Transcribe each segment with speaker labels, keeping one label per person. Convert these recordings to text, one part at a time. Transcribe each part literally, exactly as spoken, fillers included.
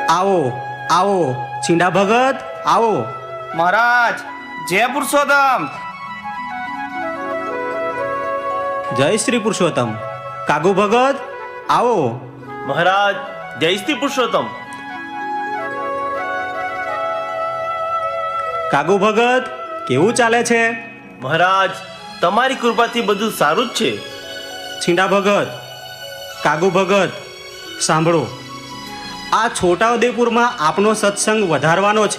Speaker 1: આવો આવો છીંડા ભગત આવો.
Speaker 2: મહારાજ જય પુરુષોત્તમ.
Speaker 1: જય શ્રી પુરુષોત્તમ. કાગુ ભગત આવો.
Speaker 3: મહારાજ જય શ્રી પુરુષોત્તમ.
Speaker 1: કાગુ ભગત કેવું ચાલે છે?
Speaker 3: મહારાજ તમારી કૃપાથી બધું સારું જ છે.
Speaker 1: છીંડા ભગત, કાગુ ભગત સાંભળો, આ છોટાઉદેપુરમાં આપનો સત્સંગ વધારવાનો છે,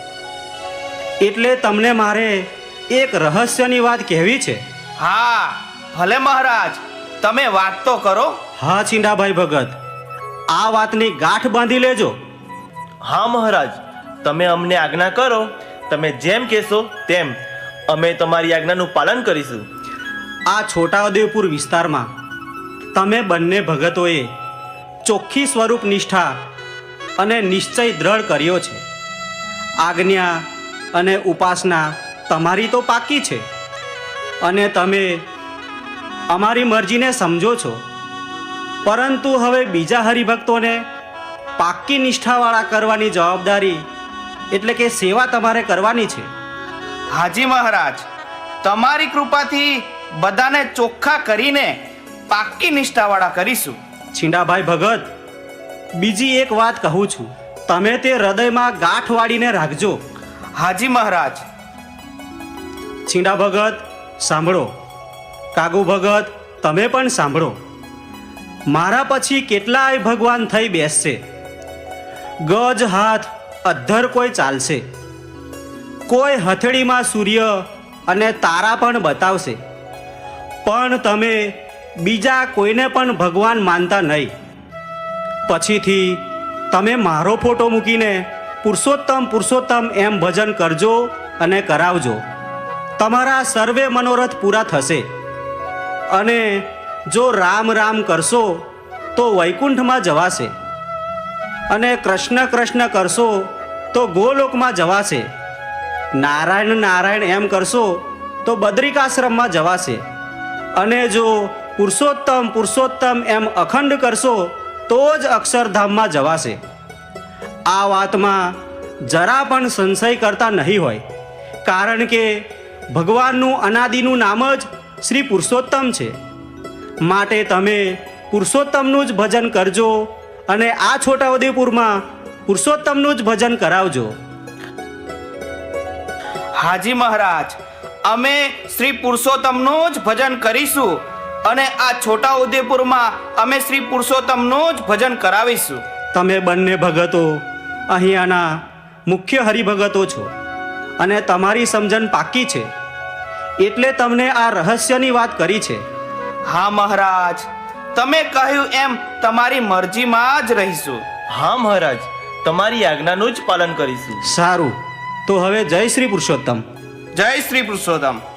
Speaker 1: એટલે તમને મારે એક રહસ્યની વાત કહેવી છે.
Speaker 2: હા ભલે મહારાજ, તમે વાત તો કરો.
Speaker 1: હા છીંડાભાઈ ભગત, આ વાતની ગાંઠ બાંધી લેજો.
Speaker 3: હા મહારાજ, તમે અમને આજ્ઞા કરો. તમે જેમ કહેશો તેમ અમે તમારી આજ્ઞાનું પાલન કરીશું.
Speaker 1: આ છોટાઉદેપુર વિસ્તારમાં તમે બંને ભગતોએ ચોખ્ખી સ્વરૂપ નિષ્ઠા અને નિશ્ચય દ્રઢ કર્યો છે. આજ્ઞા અને ઉપાસના તમારી તો પાકી છે અને તમે અમારી મરજીને સમજો છો, પરંતુ હવે બીજા હરિભક્તોને પાકી નિષ્ઠાવાળા કરવાની જવાબદારી એટલે કે સેવા તમારે કરવાની છે.
Speaker 2: હાજી મહારાજ, તમારી કૃપાથી બધાને ચોખ્ખા કરીને પાક્કી નિષ્ઠાવાળા કરીશું.
Speaker 1: છીંડાભાઈ ભગત, બીજી એક વાત કહું છું, તમે તે હૃદયમાં ગાંઠ વાળીને રાખજો.
Speaker 2: હાજી મહારાજ.
Speaker 1: છીંડા ભગત સાંભળો, કાગુ ભગત તમે પણ સાંભળો. મારા પછી કેટલાય ભગવાન થઈ બેસશે. ગજ હાથ અધ્ધર કોઈ ચાલશે, કોઈ હથેળીમાં સૂર્ય અને તારા પણ બતાવશે, પણ તમે બીજા કોઈને પણ ભગવાન માનતા નહીં. પછીથી તમે મારો ફોટો મૂકીને પુરુષોત્તમ પુરુષોત્તમ એમ ભજન કરજો અને કરાવજો. તમારા સર્વે મનોરથ પૂરા થશે. અને જો રામ રામ કરશો તો વૈકુંઠમાં જવાશે, અને કૃષ્ણ કૃષ્ણ કરશો તો ગોલોકમાં જવાશે, નારાયણ નારાયણ એમ કરશો તો બદ્રિકાશ્રમમાં જવાશે, અને જો પુરુષોત્તમ પુરુષોત્તમ એમ અખંડ કરશો તો જ અક્ષરધામમાં જવાશે. આ વાતમાં જરા પણ સંશય કરતા નહીં હોય, કારણ કે ભગવાનનું અનાદિનું નામ જ શ્રી પુરુષોત્તમ છે. માટે તમે પુરુષોત્તમનું જ ભજન કરજો અને આ છોટાઉદેપુરમાં પુરુષોત્તમનું જ ભજન કરાવજો.
Speaker 2: હાજી મહારાજ, અમે શ્રી પુરુષોત્તમનું જ ભજન કરીશું અને આ છોટાઉદેપુરમાં અમે શ્રી પુરુષોત્તમનું જ ભજન કરાવીશું.
Speaker 1: તમે બંને ભગતો અહીંયાના મુખ્ય હરિભગતો છો અને તમારી સમજણ પાકી છે, એટલે તમને આ રહસ્યની વાત કરી છે.
Speaker 2: હા મહારાજ, તમે કહ્યું એમ તમારી મરજીમાં જ રહીશું.
Speaker 3: હા મહારાજ, તમારી આજ્ઞાનું જ પાલન કરીશું.
Speaker 1: સારું, તો હવે જય શ્રી પુરુષોત્તમ.
Speaker 2: જય શ્રી પુરુષોત્તમ.